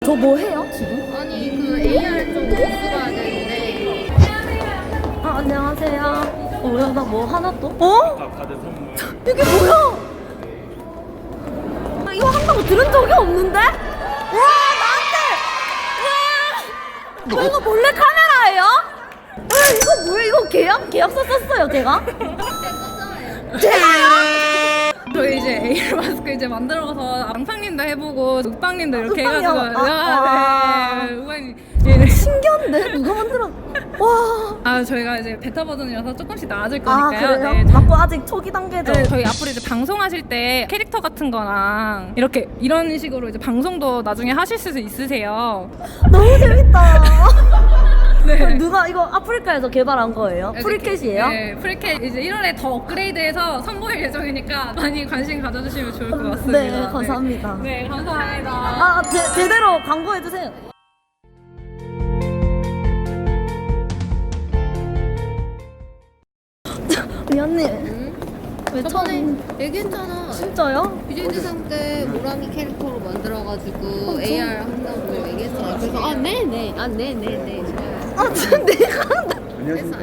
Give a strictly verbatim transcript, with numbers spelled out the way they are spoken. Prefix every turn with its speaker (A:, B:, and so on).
A: 저 뭐 해요 지금?
B: 아니 그 에이알 좀 공부가 되는데.
A: 아 안녕하세요. 어, 야, 나 뭐 하나 또? 어?
C: 받은 선물.
A: 이게 뭐야? 아, 이거 한다고 들은 적이 없는데? 와 나한테! 와! 저 이거 몰래 카메라예요? 아 이거 뭐야? 이거 계약 계약서 썼어요 제가? 제가요?
B: 저희 이제 에이알 마스크 이제 만들어서 앙팡님도 해보고 욱방님도 이렇게
A: 욱방이요?
B: 해가지고
A: 아,
B: 아,
A: 아.
B: 네 욱방님 예.
A: 신기한데 누가 만들어? 와.
B: 아 저희가 이제 베타 버전이라서 조금씩 나아질
A: 아
B: 거니까요.
A: 그래요?
B: 네.
A: 맞고 아직 초기 단계죠.
B: 네, 저희 앞으로 이제 방송하실 때 캐릭터 같은 거랑 이렇게 이런 식으로 이제 방송도 나중에 하실 수 있으세요.
A: 너무 재밌다.
B: 네.
A: 그럼 누가 이거 아프리카에서 개발한 거예요? 프리캣이에요?
B: 네, 프리캣 이제 일월에 더 업그레이드해서 선보일 예정이니까 많이 관심 가져주시면 좋을 것 같습니다.
A: 네, 감사합니다.
B: 네, 네 감사합니다.
A: 아, 제, 제대로 광고해주세요. 미안님.
B: 응?
A: 왜
B: 저번에
A: 처음?
B: 얘기했잖아.
A: 진짜요?
B: 비제이 대상 때 모랑이 캐릭터로 만들어가지고
A: 어,
B: 에이알 한다고 얘기했잖아. 그래서 아 네네, 아 네네네.
A: 아, 지금 내가 한다.
C: 안녕하십니까.